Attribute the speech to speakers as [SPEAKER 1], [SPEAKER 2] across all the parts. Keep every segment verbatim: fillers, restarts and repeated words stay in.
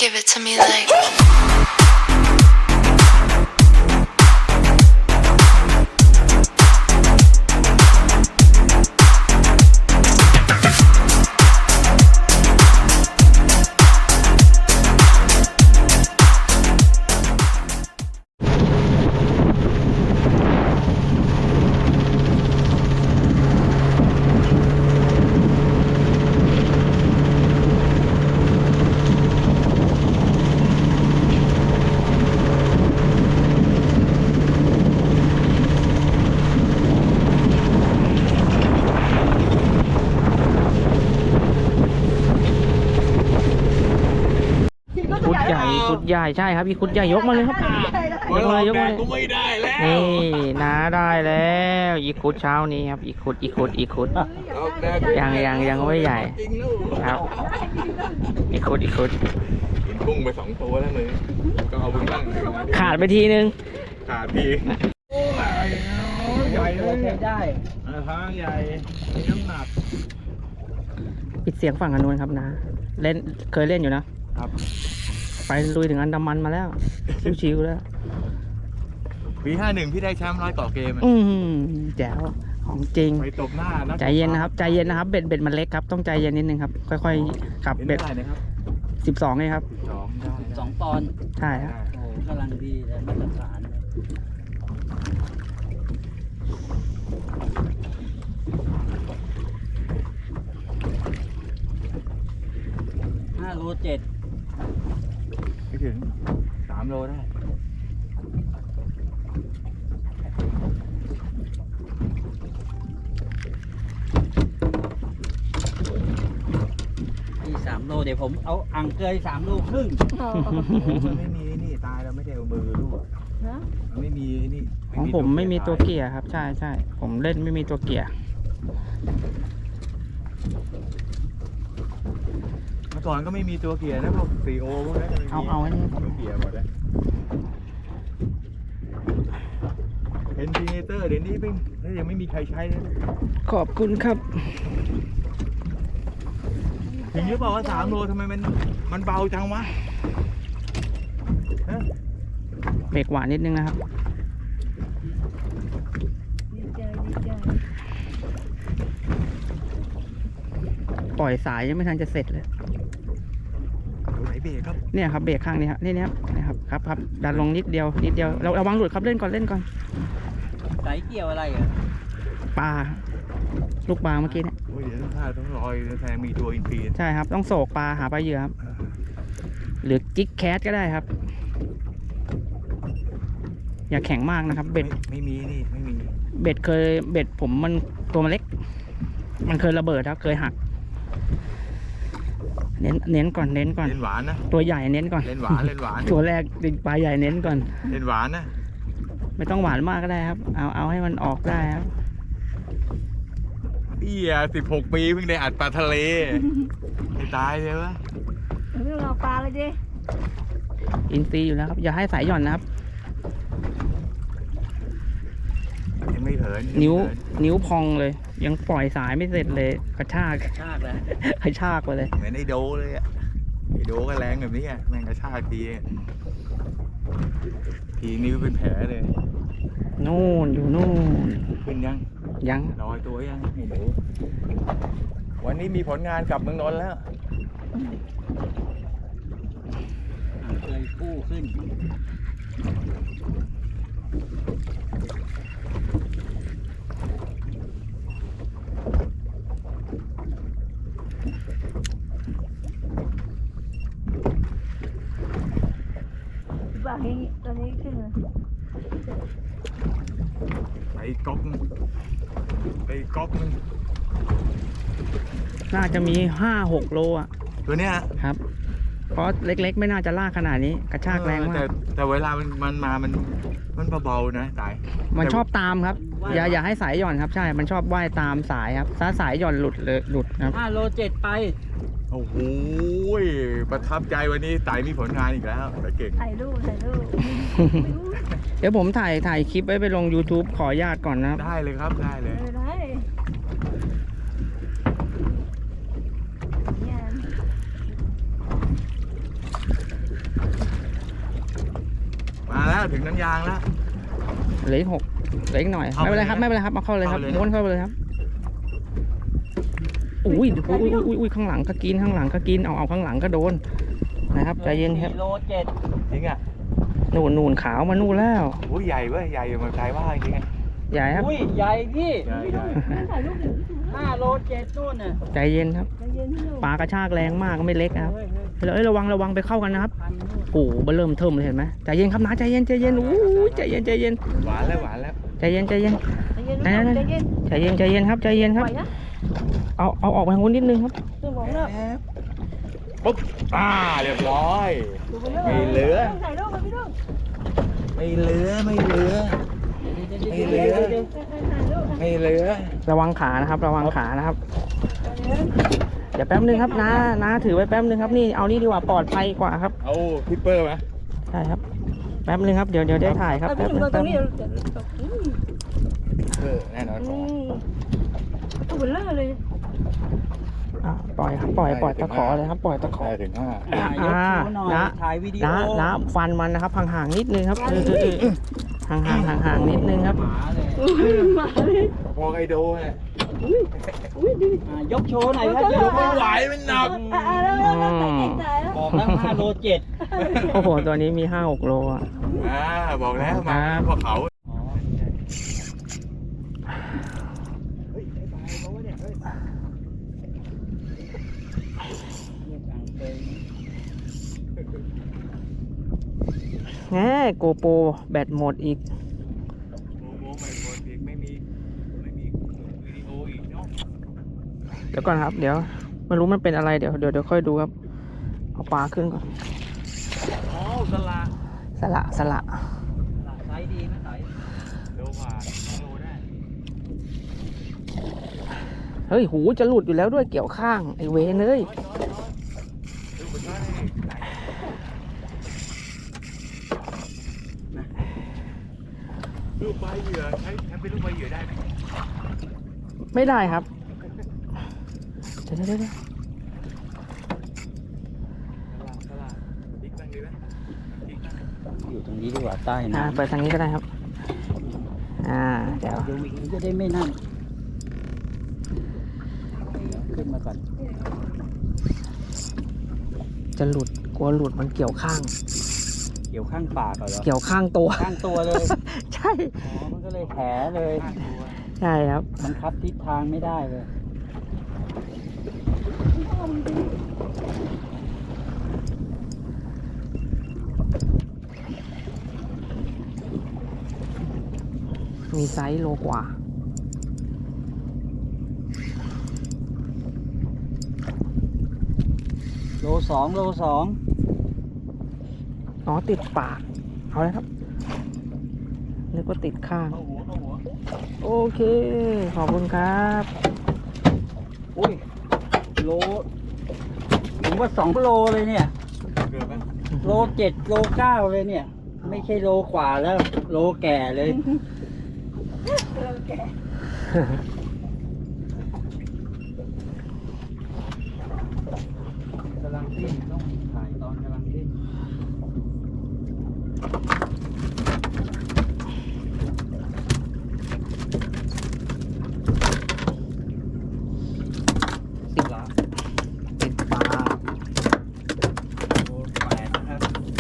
[SPEAKER 1] Give it to me like.
[SPEAKER 2] คุดใหญ่ใช่ครับอีคุดใหญ่ยกมาเลยครับยกมาเลยยกมาเลย
[SPEAKER 3] กูไม่ได้แล้ว
[SPEAKER 2] นี่น้าได้แล้วอีคุดเช้านี้ครับอีคุดอีคุดอีคุดยังยังยังไม่ใหญ่ครับอีคุดอีคุด
[SPEAKER 3] กินกุ้งไปสองตัวแล้วเลยก็เอาบุญบ้าง
[SPEAKER 2] ขาดไปทีนึง
[SPEAKER 3] ขาดทีใหญ่เลย
[SPEAKER 2] ได้
[SPEAKER 3] ทางใหญ่มีน้ำหนัก
[SPEAKER 2] ปิดเสียงฝั่งอนุนครับนะเล่นเคยเล่นอยู่นะครับไปลุยถึงอันดามันมาแล้วชิวๆแล้ว
[SPEAKER 3] ปีห้าหนึ่งพี่ได้แชมป์ร้อยเกาะเกม
[SPEAKER 2] อืมแจ๋วของจริง
[SPEAKER 3] ไปตบหน้านะ
[SPEAKER 2] ใจเย็นนะครับใจเย็นนะครับเบ็ดเบ็ดมันเล็กครับต้องใจเย็นนิดนึงครับค่อยๆขับ
[SPEAKER 3] เป็น
[SPEAKER 2] เบ็ด
[SPEAKER 3] เท่าไหร่นะครับ
[SPEAKER 2] สิบสองเลยครับ
[SPEAKER 3] สองได้
[SPEAKER 4] สองปอนด์
[SPEAKER 2] ใช่ครับ
[SPEAKER 4] โอ้โหกำลังดีเลยมาตรฐานเลยห้าโลเจ็ด
[SPEAKER 3] ไม่ถึงสามโลได้
[SPEAKER 4] ที่สามโลเดี๋ยวผมเอาอ่างเกยสามโลครึ่ง
[SPEAKER 3] มันไม่มีนี่ตายแล้วไม่ได้เอามือลูกมันไม่มีนี่
[SPEAKER 2] ของผมไม่มีตัวเกียร์ครับใช่ใช่ผมเล่นไม่มีตัวเกียร์
[SPEAKER 3] เมื่อก่อนก็ไม่มีตัวเกียร์นะพวกซีโอพวกนั้น
[SPEAKER 2] เอาเอาไว้นี่
[SPEAKER 3] ตัวเกียร์หมดเลยเอ็นจิเนเตอร์เดี๋ยวนี้ไม่ยังไม่มีใครใช้เลย
[SPEAKER 2] ขอบคุณครับ
[SPEAKER 3] ถึงหรือเปล่าว่าสามโลทำไมมันมันเบาจังวะฮะ
[SPEAKER 2] เบรกหวานนิดนึงนะครับปล่อยสายยังไม่ทันจะเสร็จเลย
[SPEAKER 3] ไหนเบรกครับ
[SPEAKER 2] เนี่ยครับเบรกข้างนี้ครับนี่นะครับนะครับครับครับดันลงนิดเดียวนิดเดียวเราระวังหลุดครับเล่นก่อนเล่นก่อน
[SPEAKER 4] สายเกี่ยวอะไรเหรอ
[SPEAKER 2] ปลาลูกปลาเมื่อกี้เนี่ย
[SPEAKER 3] โอ้ยเดี๋ยวต้องท่าต้องลอยแทนมีตัวอินทรี
[SPEAKER 2] ใช่ครับต้องโศกปลาหาปลาเหยื่อครับหรือจิกแคสก็ได้ครับ อย่าแข็งมากนะครับ เบ็ด
[SPEAKER 3] ไม่มีนี่ไม่มี
[SPEAKER 2] เบ็ดเคยเบ็ดผมมันตัวมันเล็ก มันเคยระเบิดครับเคยหัก เน้นเน้นก่อนเน้นก่อน
[SPEAKER 3] เล่นหวานนะ
[SPEAKER 2] ตัวใหญ่เน้นก่อน
[SPEAKER 3] เล่นหวานเล่นหวาน
[SPEAKER 2] ตัวแรกดึงปลาใหญ่เน้นก่อน
[SPEAKER 3] เล่นหวานนะ
[SPEAKER 2] ไม่ต้องหวานมากก็ได้ครับ เอาเอาให้มันออกได้ครับ
[SPEAKER 3] เอี้ยสิบหกปีเพิ่งได้อัดปลาทะเลไม่ตายเลยวะ
[SPEAKER 5] เรื่องเราปลาเลยดิ
[SPEAKER 2] อินซีอยู่แล้วครับ อย่าให้สายหย่อนนะครับ
[SPEAKER 3] ยังไม่เถิน
[SPEAKER 2] นิ้วนิ้วพองเลย ยังปล่อยสายไม่เสร็จเลยกระชาก
[SPEAKER 4] ชากแล้ว
[SPEAKER 2] กระชากไปเลย
[SPEAKER 3] เหมือนไอโดเลยอะไอโดก็แรงแบบนี้อะแม่งกระชากทีทีนิ้วเป็นแผลเลย
[SPEAKER 2] นู่นอยู่นู่น
[SPEAKER 3] ขึ้นยัง
[SPEAKER 2] ยัง
[SPEAKER 3] ลอยตัวยังไอหนูวันนี้มีผลงานกลับเมืองนนท์แล้ว
[SPEAKER 4] อ่างเกยกู้ขึ้น
[SPEAKER 5] ปลาอย่างนี้ตอนนี้ขึ้นเลย
[SPEAKER 3] ไปก๊อกนึงไปก๊อกนึง
[SPEAKER 2] น่าจะมีห้าหกโลอ่ะ
[SPEAKER 3] ตัวเนี้ย
[SPEAKER 2] ครับ เพราะเล็กๆ ไม่น่าจะลากขนาดนี้ กระชากแรงมา
[SPEAKER 3] แต่
[SPEAKER 2] ก
[SPEAKER 3] แต่เวลามันมันมามันมันเบาๆนะตาย
[SPEAKER 2] มันชอบตามครับ อย่าอย่าให้สายหย่อนครับ ใช่ มันชอบว่ายตามสายครับถ้าสายหย่อนหลุดเลยหลุดครับ
[SPEAKER 4] ห้าโลเจ็ดไป
[SPEAKER 3] โอ้โหประทับใจวันนี้ไต่มีผลงานอีกแล้วแต่เก่ง
[SPEAKER 5] ถ่ายรูปถ่ายรูป
[SPEAKER 2] เดี๋ยวผมถ่ายถ่ายคลิปไว้ไปลง YouTube ขออนุญาตก่อนนะครับ
[SPEAKER 3] ได้เลยครับได้เลย
[SPEAKER 5] เออได้เนี่ย
[SPEAKER 3] แล้วถึงน้ำยางแล้ว
[SPEAKER 2] เหลืออีกหกเหลืออีกหน่อย
[SPEAKER 3] เอา
[SPEAKER 2] ไม่เป็นไรครับ
[SPEAKER 3] ไปเลยนะ
[SPEAKER 2] ไม่เป็นไรครับเอาเข้าเลยครับ
[SPEAKER 3] เอาเลยนะ
[SPEAKER 2] ม้วนเข้าไปเลยครับอุ้ยอุ้ยอุ้ยอุ้ยอุ้ยข้างหลังก็กินข้างหลังก็กินเอาเอาข้างหลังก็โดนนะครับใจเย็นครับ
[SPEAKER 4] กิโลเจ็ด
[SPEAKER 3] จริงอ่ะ
[SPEAKER 2] นู่นนู่นขาวมานู่นแล้ว
[SPEAKER 3] โอ้ยใหญ่เว้ยใหญ่อยู่เมืองไทยว่าจริงไง
[SPEAKER 2] ใหญ่ครับ
[SPEAKER 4] อุ้ยใหญ่พี่
[SPEAKER 3] ใหญ่ใหญ่
[SPEAKER 5] ถ่ายรูปดิ
[SPEAKER 4] ห้าโลเจ็ดนู่นน่ะ
[SPEAKER 2] ใจเย็นครับ
[SPEAKER 5] ใจเย็นพี่ลูก
[SPEAKER 2] ปลากระชากแรงมากก็ไม่เล็กนะครับ
[SPEAKER 4] เฮ้ยเฮ้ย
[SPEAKER 2] เอ้ยระวังระวังไปเข้ากันนะครับ
[SPEAKER 4] พันนู่น
[SPEAKER 2] โอ้โหเบอร์เริ่มเทิมเลยเห็นไหมใจเย็นครับนะใจเย็นใจเย็นอู้ยใจเย็นใจเย็น
[SPEAKER 3] หวานแล้วหวานแล้ว
[SPEAKER 2] ใจเย็นใจเย็น
[SPEAKER 5] ใจเย็นพี่ลูกใจเย็น
[SPEAKER 2] ใจเย็นใจเย็นครับใจเย็น
[SPEAKER 5] ป
[SPEAKER 2] ครับ
[SPEAKER 5] ล่อยนะ
[SPEAKER 2] เอาเอาออกไปทางนู้นนิดนึงครับ
[SPEAKER 5] ตัวมองแล้ว
[SPEAKER 3] ปุ๊บอ่าเรียบร้อย
[SPEAKER 5] ดูไปเรื่อย
[SPEAKER 3] ไม่เหลือ
[SPEAKER 5] ถ่ายรูปมาพี่ลูก
[SPEAKER 3] ไม่เหลือไม่เหลือ ไม่เหลือ
[SPEAKER 5] ถ่ายรูป
[SPEAKER 3] ไม่เหลือ
[SPEAKER 2] ระวังขานะครับ ระวังขานะครับ เดี๋ยวแป๊บนึงครับน้าน้าถือไว้แป๊บนึงครับนี่เอานี่ดีกว่าปลอดภัยกว่าครับ
[SPEAKER 3] เอาพิปเปอร์ไหม
[SPEAKER 2] ใช่ครับแป๊บนึงครับเดี๋ยวเดี๋ยวได้ถ่ายครับ
[SPEAKER 5] เอา
[SPEAKER 2] แป๊
[SPEAKER 5] พี่
[SPEAKER 2] บ
[SPEAKER 5] ห
[SPEAKER 2] นึ
[SPEAKER 5] นุ่
[SPEAKER 2] ง
[SPEAKER 5] มตร
[SPEAKER 2] แป๊บ
[SPEAKER 5] ง
[SPEAKER 2] นึ
[SPEAKER 5] นี้
[SPEAKER 2] ง
[SPEAKER 5] เดี๋ยวอืม
[SPEAKER 3] เออแน่นอน
[SPEAKER 5] อืมตัวเบลอเลย
[SPEAKER 2] อ่ะปล่อยครับปล่อยปล่อยตะขอเลยครับปล่อยตะขอ
[SPEAKER 3] ได้ถึงห้า
[SPEAKER 4] อ่ะยกชูหน่อย
[SPEAKER 2] นะ
[SPEAKER 4] ถ่ายวิดีโอ
[SPEAKER 2] น้าน้าฟันมันนะครับห่างๆนิดนึงครับเออเออเออเออห่างๆห่างๆนิดนึงครับ
[SPEAKER 4] หมาเลย
[SPEAKER 5] อุ้ยมาเลย
[SPEAKER 3] พอไกโดเนี่ย
[SPEAKER 5] อุ้ยดู
[SPEAKER 4] อ่ะยกโชว์หน่อยครับ
[SPEAKER 5] ยกโชว์
[SPEAKER 3] ไม่ไหวมันหนัก
[SPEAKER 5] อ่ะอ่ะแล้วแล้วแล้วไปเก่งใจแล้ว
[SPEAKER 4] บอกแล้วห้าโลเจ็ด
[SPEAKER 2] โอ้โหตัวนี้มีห้าหกโลอ่ะ
[SPEAKER 3] อ่าบอกแล้วมา
[SPEAKER 2] ครับ
[SPEAKER 3] พวกเขา
[SPEAKER 4] อ๋อ
[SPEAKER 3] เฮ้ยไอ้ปลาไอ้โบ้เนี่ยเฮ้ย
[SPEAKER 4] เรียกอังเกย
[SPEAKER 2] แหมโกโปรแบตหมดอีก
[SPEAKER 3] โมโมไม่หมดอีกไม่มีไม่มีวิดีโออีกเนาะ
[SPEAKER 2] เดี๋ยวก่อนครับ เดี๋ยวไม่รู้มันเป็นอะไรเดี๋ยวเดี๋ยวเดี๋ยวค่อยดูครับเอาปลาขึ้นก่อน
[SPEAKER 3] อ๋อสละ
[SPEAKER 2] สละสละ
[SPEAKER 4] ไซส์ดีไหมไซส์
[SPEAKER 3] โลกว่าโลได้
[SPEAKER 2] เฮ้ยหูจะหลุดอยู่แล้วด้วยเกี่ยวข้างไอเวนเลย
[SPEAKER 3] ดูมันว่าได้ลูกใบเหยื่อใช้ใช้เป็นลูกใบเหยื่อได้ไหม
[SPEAKER 2] ไม่ได้ครับเดี๋ยวเดี๋ยวเดี๋ยว
[SPEAKER 3] สละติ๊กตั้งดีไหมติ๊กตั้ง
[SPEAKER 4] อยู่ตรงนี้ดีกว่าใต้
[SPEAKER 2] อ่า
[SPEAKER 4] น้ำ
[SPEAKER 2] เปิดทางนี้ก็ได้ครับ อ่าเดี๋ยว
[SPEAKER 4] ดูวิ่งจะได้ไม่นั่นขึ้นมาก่อน
[SPEAKER 2] จะหลุดกลัวหลุดมันเกี่ยวข้าง
[SPEAKER 4] เกี่ยวข้างปากเหรอ
[SPEAKER 2] เกี่ยวข้างตัว
[SPEAKER 4] ข้างตัวเลย
[SPEAKER 2] ใช่
[SPEAKER 4] อ๋อมันก็เลยแผลเลย
[SPEAKER 3] ข้างตัว
[SPEAKER 2] ใช่ครับ
[SPEAKER 4] บังคับทิศทางไม่ได้เลย
[SPEAKER 2] มีไซส์โลกว่า
[SPEAKER 4] โลสองโลสอง
[SPEAKER 2] อ๋อติดปากเอาเลยครับนึกว่าติดข้าง
[SPEAKER 3] เข้าหัวเข้าหัว
[SPEAKER 2] โอเค ขอบคุณครับ
[SPEAKER 4] อุ้ยโลผมว่าสองโลเลยเนี่ย
[SPEAKER 3] เกือบไหม
[SPEAKER 4] โลเจ็ดโลเก้าเลยเนี่ย ไม่ใช่โลกว่าแล้ว โลแก่เลย กำลังดิ้นต้องถ่ายตอนกำลังดิ้นสิบละ
[SPEAKER 2] ติดปาก
[SPEAKER 4] โลแปดนะครับ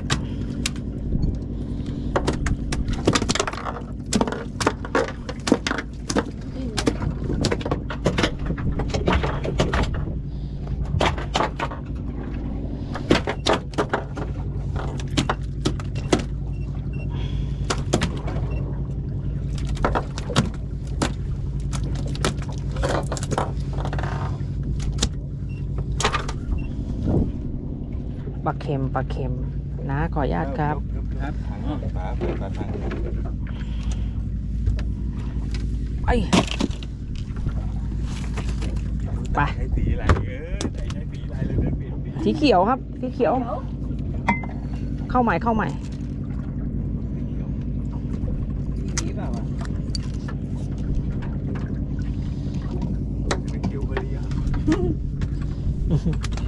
[SPEAKER 2] ปลาเค็มปลาเค็มนะขออนุญาตครับ
[SPEAKER 3] ครับถังฝาเปิดฝาถัง
[SPEAKER 2] ไปไป
[SPEAKER 3] ใช้สีอะไรเออใช้ใช้สีอะไรเลยเดินเปลี่ยนสี
[SPEAKER 2] สีเขียวครับสีเขียว เข้าใหม่เข้าใหม่
[SPEAKER 4] นี่เปล่าวะ
[SPEAKER 3] เป็นคิวเบอร์รี่อ่ะ